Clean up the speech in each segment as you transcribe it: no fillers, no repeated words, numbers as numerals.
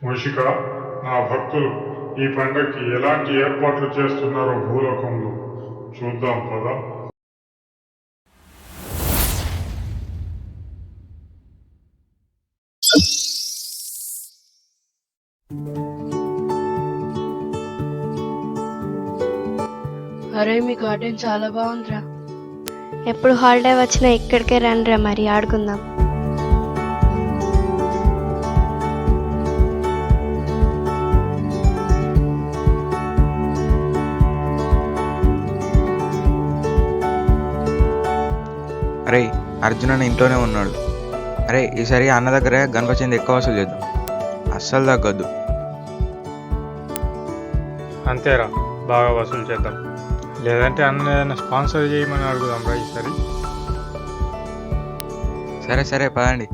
మూషిక, నా భక్తులు ఈ పండగకి ఎలాంటి ఏర్పాట్లు చేస్తున్నారో భూలోకంలో చూద్దాం పద. అరే మీ గార్డెన్ చాలా బాగుందిరా. ఎప్పుడు హాలిడే వచ్చినా ఇక్కడికే రండిరా, మరి ఆడుకుందాం. అరే అర్జున్ ఇంట్లోనే ఉన్నాడు. అరే ఈసారి అన్న దగ్గర గణపతిని ఎక్కువ వసూలు చేద్దాం, అస్సలు తగ్గద్దు. అంతేరా, బాగా వసూలు చేద్దాం. లేదంటే అన్న ఏదైనా స్పాన్సర్ చేయమని అడుగుదాం రా ఈసారి. సరే సరే పదండి.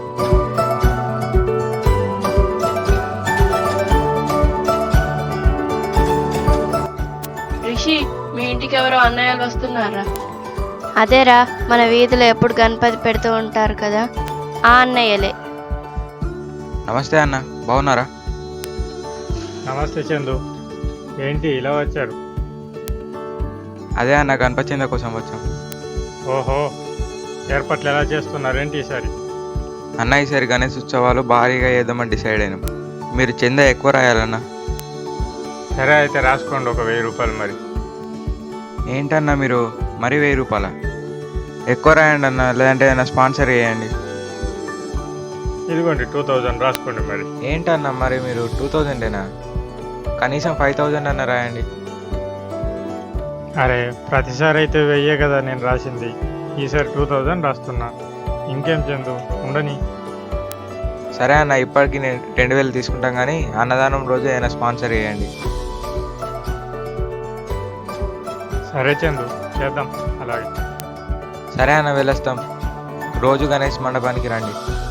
రిషి, మీ ఇంటికి ఎవరో అన్నయ్యలు వస్తున్నారా? అదేరా, మన వీధిలో ఎప్పుడు గణపతి పెడుతూ ఉంటారు కదా, ఆ అన్నయ్యలే. నమస్తే అన్న, బాగున్నారా? నమస్తే చందు, ఏంటి ఇలా వచ్చారు? అదే అన్న, గణపతి చంద కోసం వచ్చాం. ఓహో, ఏర్పాట్లు ఎలా చేస్తున్నారేంటి ఈసారి? అన్న ఈసారి గణేష్ ఉత్సవాలు భారీగా చేద్దామని డిసైడ్ అయినాం. మీరు చంద ఎక్కువ రాయాలన్నా. సరే అయితే రాసుకోండి, ఒక 1000 రూపాయలు. మరి ఏంటన్నా మీరు మరీ 1000 రూపాయల? ఎక్కువ రాయండి అన్న, లేదంటే ఏదైనా స్పాన్సర్ చేయండి. ఇదిగోండి 2000 రాసుకోండి. మరి ఏంటన్నా మరి మీరు 2000ఏనా? కనీసం 5000 అన్న రాయండి. అరే ప్రతిసారి అయితే 1000 కదా నేను రాసింది, ఈసారి 2000 రాస్తున్నా. ఇంకేం చందు, ఉండని. సరే అన్న, ఇప్పటికి నేను 2000 తీసుకుంటాం, కానీ అన్నదానం రోజు ఏదైనా స్పాన్సర్ చేయండి. సరే చందు, చేద్దాం అలాగే. సరే అన్న, వెళ్ళొస్తాం. రోజు గణేష్ మండపానికి రండి.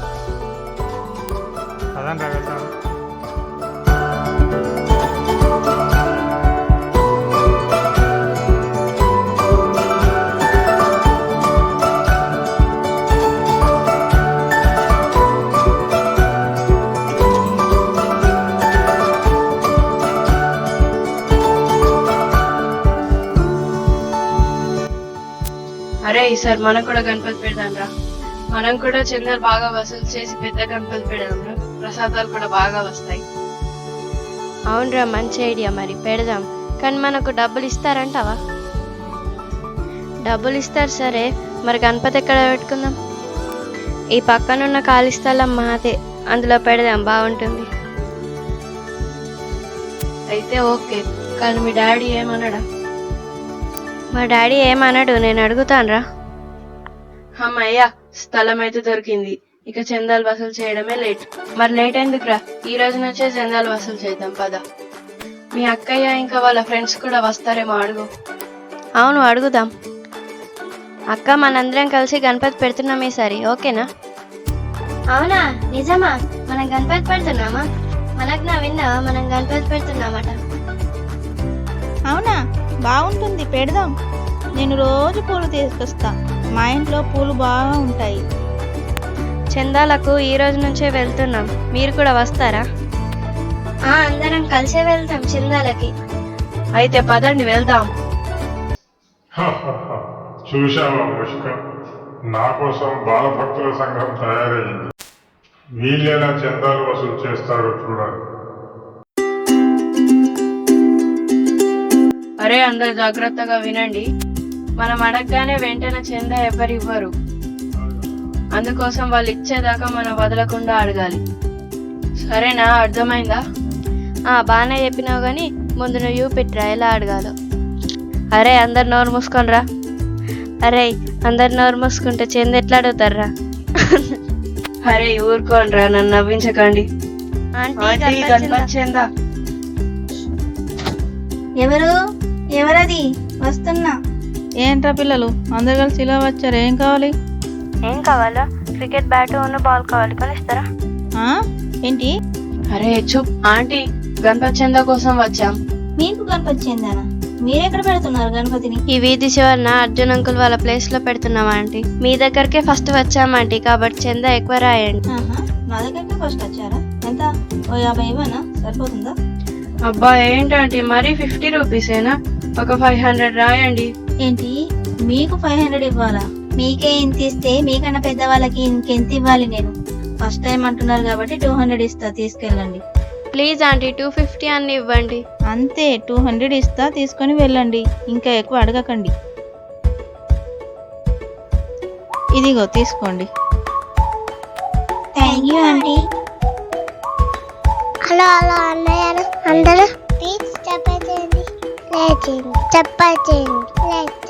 అదంతా వెళ్తాం. అరే ఈసారి మనం కూడా గణపతి పెడదాం రా. మనం కూడా చందలు బాగా వసూలు చేసి పెద్ద గణపతి పెడదాం రా. ప్రసాదాలు కూడా బాగా వస్తాయి. అవునరా, మంచి ఐడియా. మరి పెడదాం, కానీ మనకు డబ్బులు ఇస్తారంటావా? డబ్బులు ఇస్తారు సరే, మరి గణపతి ఎక్కడ పెట్టుకుందాం? ఈ పక్కనున్న ఖాళీ స్థలం మాదే, అందులో పెడదాం, బాగుంటుంది. అయితే ఓకే, కానీ మీ డాడీ ఏమన్నాడా? మా డాడీ ఏమన్నాడు, నేను అడుగుతానురా. అమ్మయ్యా, స్థలం అయితే దొరికింది. ఇక చందాలు వసూలు చేయడమే లేట్. మరి లేట్ ఎందుకురా, ఈ రోజు నుంచే చందాలు వసూలు చేద్దాం పద. మీ అక్కయ్య ఇంకా వాళ్ళ ఫ్రెండ్స్ కూడా వస్తారేమో, అడుగు. అవును, అడుగుదాం. అక్క, మనందరం కలిసి గణపతి పెడుతున్నాం ఈసారి, ఓకేనా? అవునా, నిజమా? మనం గణపతి పెడుతున్నామా? మనకు నా విన్నావా, మనం గణపతి పెడుతున్నామట. అవునా, బాగుంటుంది, పెడదాం. నేను రోజు పూలు తీసుకొస్తా, మా ఇంట్లో పూలు బాగా ఉంటాయి. చందాలకు ఈ రోజు నుంచే వెళ్తున్నాం, మీరు కూడా వస్తారా? అందరం కలిసే వెళ్తాం చందాలకి. అయితే పదండి వెళ్దాం. చూశావా మూషిక, నా కోసం బాలభక్తుల సంఘం తయారయ్యింది. వీళ్ళెలా చందాలు వసూలు చేస్తారో చూడాలి. అరే అందరు జాగ్రత్తగా వినండి. మనం అడగగానే వెంటనే చందా ఎవరివ్వరు. అందుకోసం వాళ్ళు ఇచ్చేదాకా మనం వదలకుండా అడగాలి. సరేనా, అర్థమైందా? బాగానే చెప్పినావు, కానీ ముందు నువ్వు చూపిట్రా ఎలా అడగాలో. అరే అందరు నోరు మూసుకోనరా. అరే అందరు నోరు మూసుకుంటే చంద ఎట్లా అడుగుతారా? అరే ఊరుకోనరా, నన్ను నవ్వించకండి. ఆంటీ, గణపతి చందా. ఎవరది? వస్తున్నా. ఏంట్రా పిల్లలు, అందరు కలిసి ఇలా వచ్చారు, ఏం కావాలి? ఏం కావాలా? క్రికెట్ బ్యాట్ బాల్ కావాలి, కొనిస్తారా? ఏంటి? అరే చూప్ ఆంటీ, గణపతి చందా కోసం వచ్చాం. మీకు గణపతి చెందానా? మీరెక్కడ పెడుతున్నారు గణపతిని? ఈ వీధి చివరన అర్జున్ అంకుల్ వాళ్ళ ప్లేస్ లో పెడుతున్నాం ఆంటీ. మీ దగ్గరకే ఫస్ట్ వచ్చాం ఆంటీ, కాబట్టి చందా ఎక్కువ రాయండి. మా దగ్గరకే ఫస్ట్ వచ్చారా? ఎంత? ఓ 50 ఇవ్వనా? సరిపోతుందా? అబ్బా ఏంటంటే మరీ 50 రూపీసేనా? ఒక 500 రాయండి. ఏంటి మీకు 500 ఇవ్వాలా? మీకే ఇంత ఇస్తే మీకన్నా పెద్దవాళ్ళకి ఇంకెంత ఇవ్వాలి నేను? ఫస్ట్ టైం అంటున్నారు కాబట్టి 200 ఇస్తా, తీసుకెళ్ళండి. ప్లీజ్ ఆంటీ 250 అన్ని ఇవ్వండి. అంతే, 200 ఇస్తా, తీసుకొని వెళ్ళండి. ఇంకా ఎక్కువ అడగకండి. ఇదిగో తీసుకోండి. Thank you aunty. Hello hello అన్నయ్య అందరూ ప్లీజ్ చెప్పేయండి, లైక్ చేయండి, చెప్పేయండి, లైక్